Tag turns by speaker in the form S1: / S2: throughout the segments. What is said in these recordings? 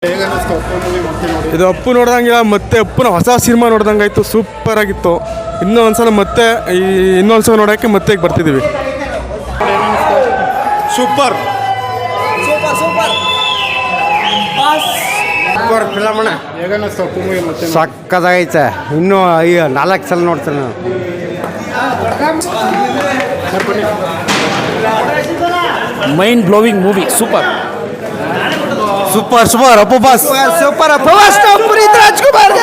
S1: ಇದು ಅಪ್ಪು ನೋಡ್ದಂಗಿಲ್ಲ, ಮತ್ತೆ ಅಪ್ಪನ ಹೊಸ ಸಿನಿಮಾ ನೋಡ್ದಂಗಾಯ್ತು, ಸೂಪರ್ ಆಗಿತ್ತು. ಇನ್ನೊಂದ್ಸಲ ಮತ್ತೆ ಇನ್ನೊಂದ್ಸಲ ನೋಡೋಕ್ಕೆ ಮತ್ತೆ ಈಗ ಬರ್ತಿದ್ದೀವಿ. Super super super super film ಅಣ್ಣ. ಸಕ್ಕದಾಗೈತೆ. ಇನ್ನೂ 4 ಸಲ ನೋಡ್ತೇನೆ ನಾನು.
S2: Mind blowing movie. Super
S1: super super Appu boss.
S2: Super Appu boss. Puneeth Rajkumar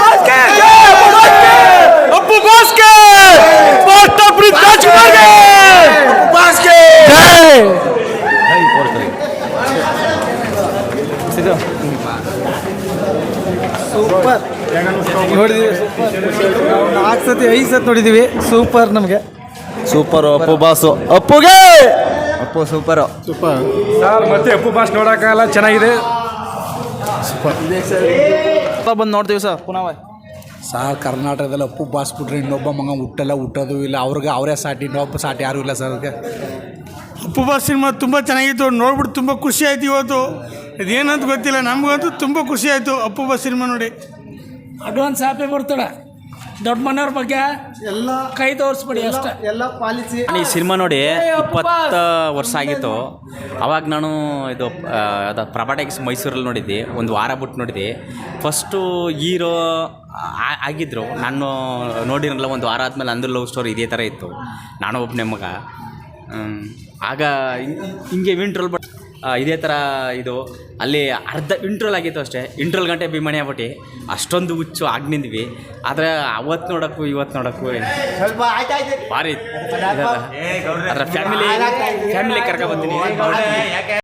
S1: Appu ಬಾಸ್ಗೆ ಪುನೀತ್ ರಾಜ್ಕುಮಾರ್ಗೆ ಬಾಸ್ಗೆ
S2: ಸೂಪರ್ ನೋಡಿದೀವಿ. 4 ಸತಿ 5 ಸತಿ ನೋಡಿದೀವಿ. ಸೂಪರ್. ನಮಗೆ
S3: ಸೂಪರ್ ಅಪ್ಪು ಬಾಸು. ಅಪ್ಪುಗೆ ಅಪ್ಪು ಸೂಪರು.
S1: Super
S4: sir. ಮತ್ತೆ ಅಪ್ಪು ಬಾಸ್ ನೋಡೋಕ್ಕಾಗಲ್ಲ, ಚೆನ್ನಾಗಿದೆ.
S2: ಬಂದು ನೋಡ್ತೀವಿ ಸರ್ ಪುನಃ.
S5: ಸರ್ ಕರ್ನಾಟಕದಲ್ಲಿ ಅಪ್ಪು ಬಾಸ್ ಬಿಟ್ರೆ ಇನ್ನೊಬ್ಬ ಮಗ ಹುಟ್ಟೋದು ಇಲ್ಲ. ಅವ್ರಿಗೆ ಅವರೇ ಸಾಟಿ, ಇನ್ನೊಬ್ಬ ಸಾಟಿ ಯಾರೂ ಇಲ್ಲ ಸರ್. ಅದಕ್ಕೆ
S6: ಅಪ್ಪು ಬಾಸ್ ಸಿನಿಮಾ ತುಂಬ ಚೆನ್ನಾಗಿತ್ತು. ನೋಡ್ಬಿಟ್ಟು ತುಂಬ ಖುಷಿ ಆಯ್ತು. ಇವತ್ತು ಇದೇನಂತ ಗೊತ್ತಿಲ್ಲ, ನಮಗಂತೂ ತುಂಬ ಖುಷಿ ಆಯಿತು ಅಪ್ಪು ಬಾಸ್ ಸಿನಿಮಾ ನೋಡಿ.
S7: Advance happy birthday. ದೊಡ್ಡ ಮನೆಯವ್ರ ಬಗ್ಗೆ ಎಲ್ಲ ಕೈ ತೋರಿಸ್ಬಿಡಿ ಅಷ್ಟೇ.
S2: ಎಲ್ಲ ಪಾಲಿಸಿ.
S3: ಈ ಸಿನಿಮಾ ನೋಡಿ 20 ವರ್ಷ ಆಗಿತ್ತು. ಅವಾಗ ನಾನು ಇದು ಪ್ರಭಾಟೆಕ್ಸ್ ಮೈಸೂರಲ್ಲಿ ನೋಡಿದ್ದೆ. ಒಂದು ವಾರ ಬಿಟ್ಟು ನೋಡಿದೆ. ಫಸ್ಟು ಹೀರೋ ಆಗಿದ್ದರು. ನಾನು ನೋಡಿರಲ್ಲ. ಒಂದು ವಾರ ಆದಮೇಲೆ ಅಂದು ಲವ್ ಸ್ಟೋರಿ ಇದೇ ಥರ ಇತ್ತು. ನಾನು ಒಬ್ಬನೇ ಮಗ. ಆಗ ಹಿಂಗೆ ಇಂಟ್ರೋಲ್ ಇದೇ ಥರ ಇದು ಅಲ್ಲಿ ಅರ್ಧ ಇಂಟ್ರೋಲ್ ಆಗಿತ್ತು ಅಷ್ಟೇ. ಇಂಟ್ರೋಲ್ ಗಂಟೆ ಅಭಿಮಾನಿ ಆಗ್ಬಿಟ್ಟು ಅಷ್ಟೊಂದು ಹುಚ್ಚು ಆಗಿ ನಿಂದ್ವಿ. ಆದರೆ ಅವತ್ತು ನೋಡೋಕ್ಕೂ ಇವತ್ತು ನೋಡೋಕ್ಕೂ ಭಾರಿ ಅದರ ಫ್ಯಾಮಿಲಿ ಕರ್ಕೊಬರ್ತೀನಿ.